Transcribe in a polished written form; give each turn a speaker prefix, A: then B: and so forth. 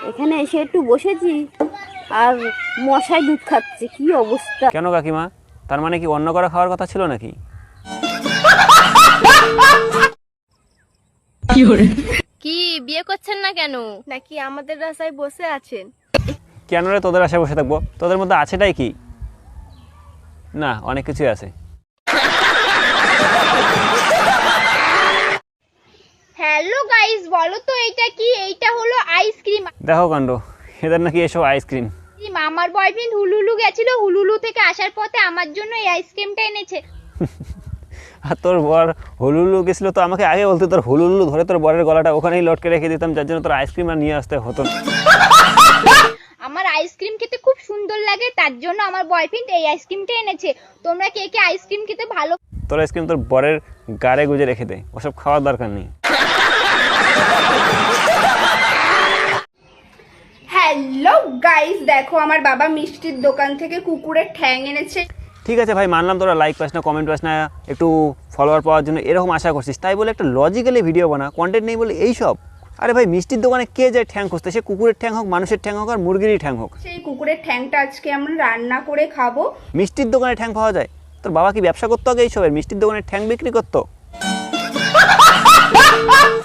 A: এখানে এসে একটু বসেছি আর মশাই দুধ খাচ্ছে, কি অবস্থা।
B: কেন কাকিমা, তার মানে কি অন্য করে খাওয়ার কথা ছিল নাকি?
C: কি বিয়ে করছেন না কেন?
D: নাকি আমাদের রাস্তায় বসে আছেন?
B: কেন রে তোদের আশায় বসে থাকবো? তোদের মধ্যে আছেটাই কি? না, অনেক কিছুই আছে।
C: হ্যালো গাইস, বলো তো এইটা কি? এইটা হলো আইসক্রিম।
B: দেখো কাণ্ড, এদের নাকি এসব আইসক্রিম।
C: আমার বয়ফ্রেন্ড হুলুলু গেছিল, হুলুলু থেকে আসার পথে আমার জন্য এই আইসক্রিমটা এনেছে।
B: আর তোর বর হুলুলু গেছিল তো আমাকে আগে বলতে, তোর হুলুলু ধরে তোর বরের গলাটা ওখানেই লটকে রেখে দিতাম, যার জন্য তোর আইসক্রিম আর নিয়ে আসতে হতো না।
C: আমার আইসক্রিম খেতে খুব সুন্দর লাগে, তার জন্য আমার বয়ফ্রেন্ড এই আইসক্রিমটা এনেছে। তোমরা কে কে আইসক্রিম খেতে ভালো?
B: তোর আইসক্রিম তোর বরের গাড়ে গুজে রেখে দে, ওসব খাওয়ার দরকার নেই।
D: হ্যালো গাইস, দেখো আমার বাবা মিষ্টির দোকান থেকে কুকুরের ঠ্যাং এনেছে।
B: ঠিক আছে ভাই, মানলাম তোরা লাইক পাস না, কমেন্ট পাস না, একটু ফলোয়ার পাওয়ার জন্য এরকম আশা করছিস, তাই বলে একটা লজিক্যালি ভিডিও বানা, কন্টেন্ট নেই বলে এইসব। আরে ভাই, মিষ্টির দোকানে কে যায় ঠ্যাং খুঁজতে? সে কুকুরের ঠ্যাং হোক, মানুষের ঠ্যাং হোক, আর মুরগিরই ঠ্যাং হোক,
D: সেই কুকুরের ঠ্যাংটা আজকে আমরা রান্না করে খাবো।
B: মিষ্টির দোকানে ঠ্যাং পাওয়া যায়? তোর বাবা কি ব্যবসা করতো আগে এইসবের? মিষ্টির দোকানে ঠ্যাং বিক্রি করতো?